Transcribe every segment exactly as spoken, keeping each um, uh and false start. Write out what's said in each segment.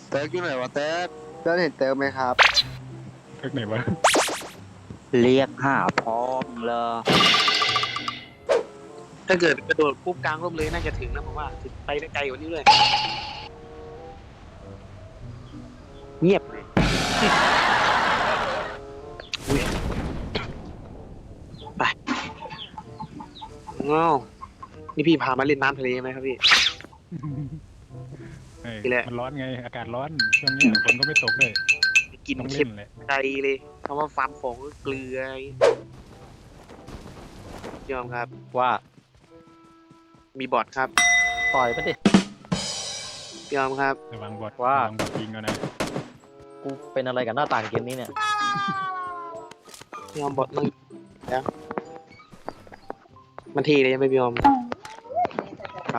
เติร์กอยู่ไหนวะเติร์กเติร์กเห็นเติร์กไหมครับเทิกไหนวะเรียกหาพ่อมึงเลยถ้าเกิดกระโดดปุ๊บกลางร่มเลยน่าจะถึงนะผมว่าถึงไปได้ไกลกว่านี้เลยเงียบเลยอุ้ยไปง้าวนี่พี่พามาเล่นน้ำทะเลไหมครับพี่เฮ้ยนี่แหละมันร้อนไงอากาศร้อนช่วงนี้ฝนก็ไม่ตกเลยกินต้องเค็เล่มนเลยใจเลยคำว่าฟาร์มของก็เกลือยอมครับว่ามีบอทครับต่อยมันดิยอมครับระวังบอดว่าระวังบอดยิงกันนะกูเป็นอะไรกับหน้าต่างเกมนี้เนี่ยยอมบอทมึงแล้วมันเทเลยใช่ไหมพี่ยอมฮะ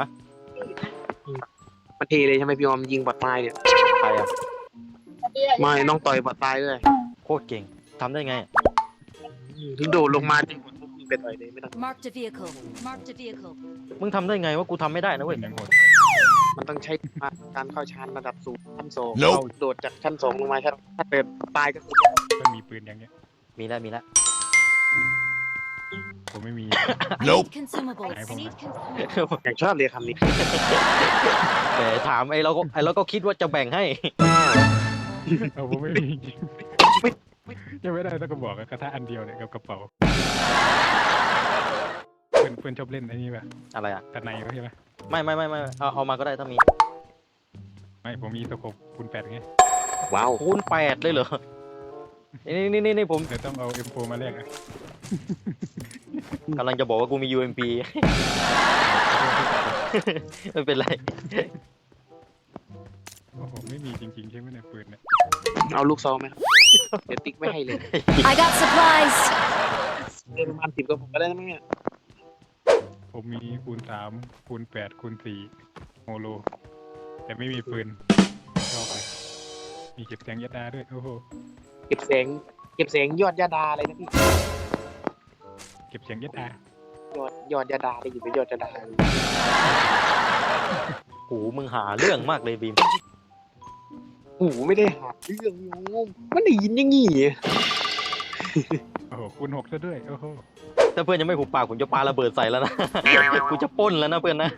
มันเทเลยใช่ไหมพี่ยอมยิงบอทตายเนี่ยใครอ่ะไม่ต้องต่อยบอทตายด้วยโคตรเก่งทำได้ไงถึงโดดลงมาจริงบอทปุ๊บยิงไปต่อยเลยไม่ต้อง Marked a vehicle. Marked a vehicle. มึงทำได้ไงว่ากูทำไม่ได้นะเว้ยยังโหดมันต้องใช้การเข้าชานระดับสูงชั้นสองเราโดดจากชั้นสองลงมาถ้าถ้าเกิดตายก็คือมันมีปืนอย่างเงี้ยมีแล้วมีแล้วผมไม่มี I need consumables. I I need won't. consumables. อย่างชอบเลยคำนี้แหมถามไอ้เราก็ไอ้เราก็คิดว่าจะแบ่งให้เอาผมไม่มีจริงยังไม่ได้ต้องกระบอกอะกระทะอันเดียวเนี่ยกับกระเป๋าเพื่อนเพื่อนชอบเล่นไอ้นี่ป่ะอะไรอ่ะตัดในเขาใช่ไหมไม่ไม่ไม่ไม่เอาเอามาก็ได้ถ้ามีไม่ผมมีตะขบคูณแปดไงว้าวคูณแปดเลยเหรอ นี่นี่นี่นี่ผมเดี๋ยวต้องเอา เอ็ม โฟร์ มาแลกอะกำลังจะบอกว่ากูมี ยู เอ็ม พี ไม่เป็นไรโอ้โหไม่มีจริงๆใช่ไหมเนี่ยปืนเนี่ยเอาลูกซองไหมครับเดี๋ยวติ๊กไม่ให้เลย I got supplies. เดินประมาณสิบกับผมก็ได้นะมั้งเนี่ยผมมีคูณสามคูณแปดคูณสี่โฮโลแต่ไม่มีปืนชอบเลยมีเก็บแสงยัดดาด้วยโอ้โหเก็บเสียงเก็บเสียงยอดยาดาอะไรนะพี่เก็บเสียงยัดดายอดยอดยาดาได้อยู่เป็นยอดยาดาโหมึงหาเรื่องมากเลยบีมโอ้โหไม่ได้หาเรื่องงงมันได้ยินอยังงี้โอ้โหคูณหกซะด้วยโอ้โหถ้าเพื่อนยังไม่หุบปากผมจะปาระเบิดใส่แล้วนะ กูจะปล้นแล้วนะเพื่อนนะ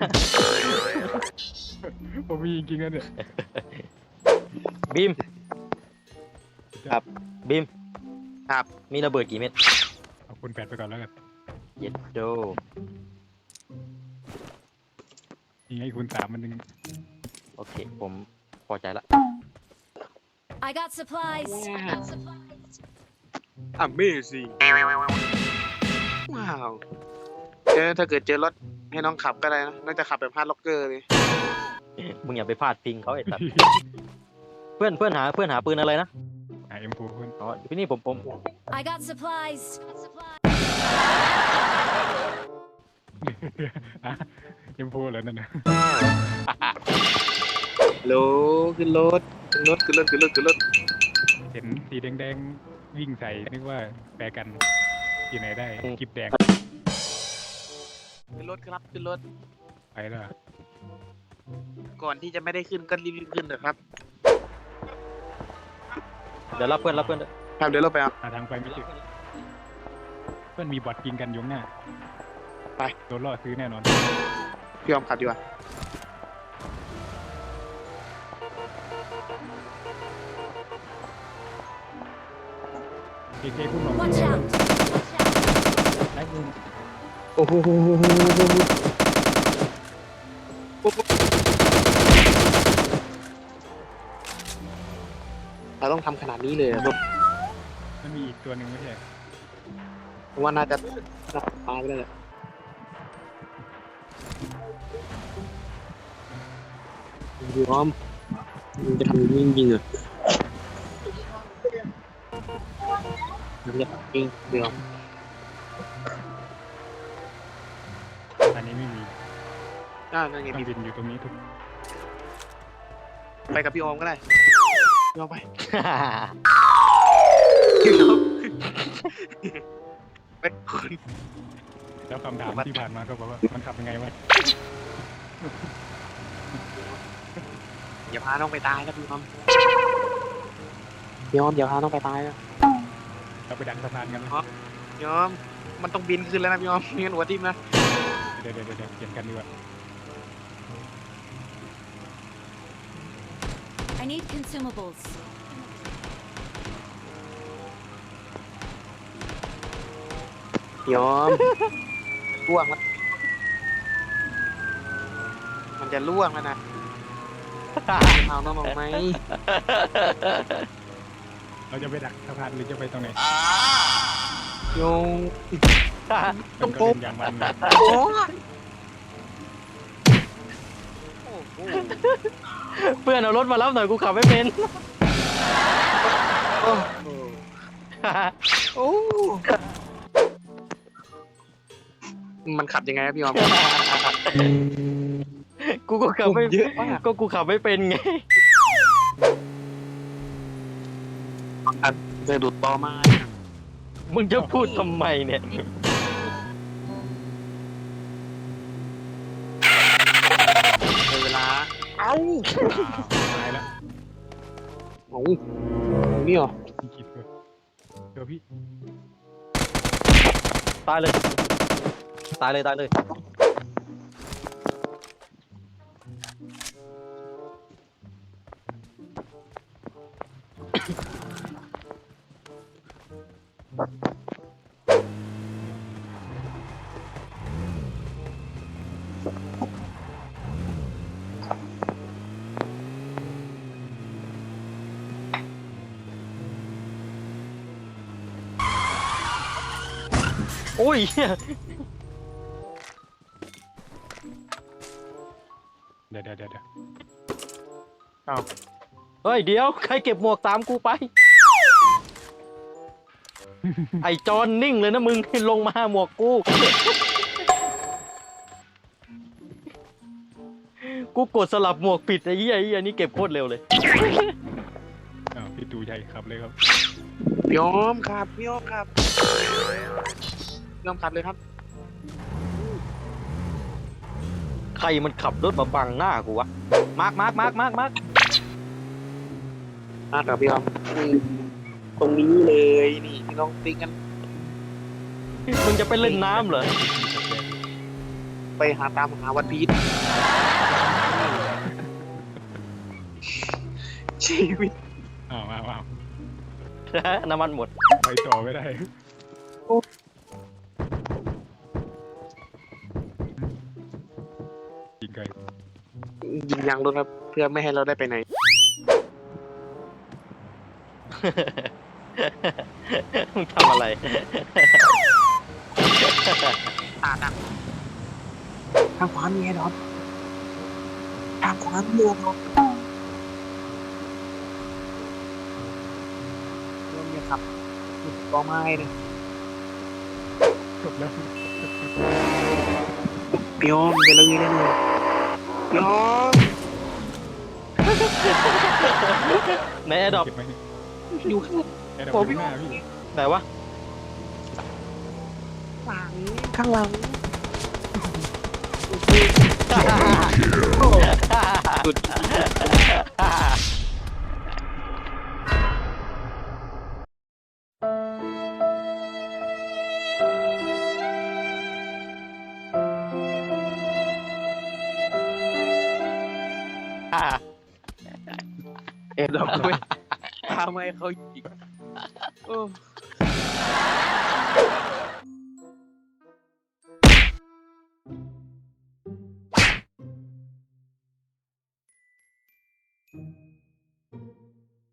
ผมมีจริงๆนะเนี่ยบีมครับบีมครับมีระเบิดกี่เม็ดเอาคูณแปดไปก่อนแล้วกันเย็ดโดยังไงคูณสามมันยังโอเค ผมพอใจละ I got supplies. Amazing ว้าวเจอถ้าเกิดเจอรถให้น้องขับก็ได้นะน่าจะขับแบบฮาร์ดล็อกเกอร์เลยมึงอย่าไปพลาดพิงเขาไอ้สัตว์ เพื่อนเพื่อนหาเพื่อนหาปืนอะไรนะหา เอ็ม โฟร์ คูณอ๋อพี่นี่ผมผม I got supplies. อ่ะ เอ็ม โฟร์ เหรอนั่นนะฮัลโหลขึ้นรถขึ้นรถขึ้นรถขึ้นรถขึ้นรถเห็นสีแดงๆวิ่งใส่นึกว่าแปรกันที่ไหนได้กิบแดงขึ้นรถครับขึ้นรถไปแล้วก่อนที่จะไม่ได้ขึ้นก็รีบๆขึ้นเถอะครับเดี๋ยวรับเพื่อนรับเพื่อนด้วยครับเดี๋ยวเราไปเอาหาทางไปไม่เจอเพื่อนมีบอทยิงกันอยู่ข้างหน้าไปโดนล่อซื้อแน่นอนพี่ยอมขับดีกว่าเอเคคุณหลง Watch out. ได้ยิงโอ้โหเราต้องทำขนาดนี้เลยเหรอครับมันมีอีกตัวหนึ่งไม่ใช่ผมว่าน่าจะตายไปแล้วแหละพี่ยอมมึงจะทำอย่างนี้จริงๆเหรอมันจะจริงเดี๋ยวอันนี้ไม่มีอ่านั่นไงต้องพี่บินอยู่ตรงนี้ทุกไปกับพี่ออมก็ได้พี่ออมไปเป็นคนแล้วคำถามที่ผ่านมาก็บอกว่ามันขับยังไงวะพอย่าพาน้องไปตายนะพี่ยอมยอมอย่าพาน้องไปตายนะเราไปดักสะพานกันไหมยอมมันต้องบินขึ้นแล้วนะพี่ยอมไม่งั้นหัวทิ่มนะเดี๋ยวเดี๋ยวเดี๋ยวเปลี่ยนกันดีกว่า I need consumables. ยอมล่วงแล้วมันจะล่วงแล้วนะเอาน้องออกไหมเราจะไปดักสะพานหรือจะไปตรงไหนโยงมันก็เล่นอย่างมันเลยโอ้โหเพื่อนเอารถมารับหน่อยกูขับไม่เป็นโอ้โหโอ้มันขับยังไงครับพี่ยอมกูก็ขับไม่เยอะมากก็กูขับไม่เป็นไงเคยดูดต่อไม้มึงจะพูดทำไมเนี่ยในเวลา เอ้าตายแล้วโอ้นี่เหรอพี่คิดเลยเดี๋ยวพี่ตายเลย ตายเลยตายเลย โอ้ยเหี้ยเดี๋ยวเดี๋ยวเดี๋ยวเดี๋ยวเฮ้ยเดี๋ยวใครเก็บหมวกตามกูไป ไอจอนนิ่งเลยนะมึง ลงมาหมวกกู กูกดสลับหมวกผิดไอ้เหี้ยไอ้เหี้ยนี่เก็บโคตรเร็วเลยอ้าวพี่ตูใหญ่ขับเลยครับพี่ยอมครับพี่ยอมครับพี่ยอมขับเลยครับใครมันขับรถมาบังหน้ากูวะ มาร์กมาร์กมาร์กมาร์กมาร์กอ่ะครับพี่ยอมตรงนี้เลยนี่พี่น้องติ๊กกันมึงจะไปเล่นน้ำเหรอไปหาตามหาวันพีชชีวิตอ้าวอ้าวอ้าวน้ำมันหมดไปต่อไม่ได้ยิงไกลยิงยางรถครับเพื่อไม่ให้เราได้ไปไหนมึงทำอะไรอ่าดักทางขวามีไอ้ดอกทางขวามีไอ้ดอกเริ่มเนี่ยครับจุดต่อไม้นะจบแล้วพี่ยอมไปเลยได้เลยพี่ยอมในแอร์ดรอปเก็บไหมเนี่ยอยู่ข้างแอร์ดรอผปมอยู่หน้าพี่ไหนวะหลังข้างหลังสุด เอ็ดดอกไม่ทำให้เขายิงโอ้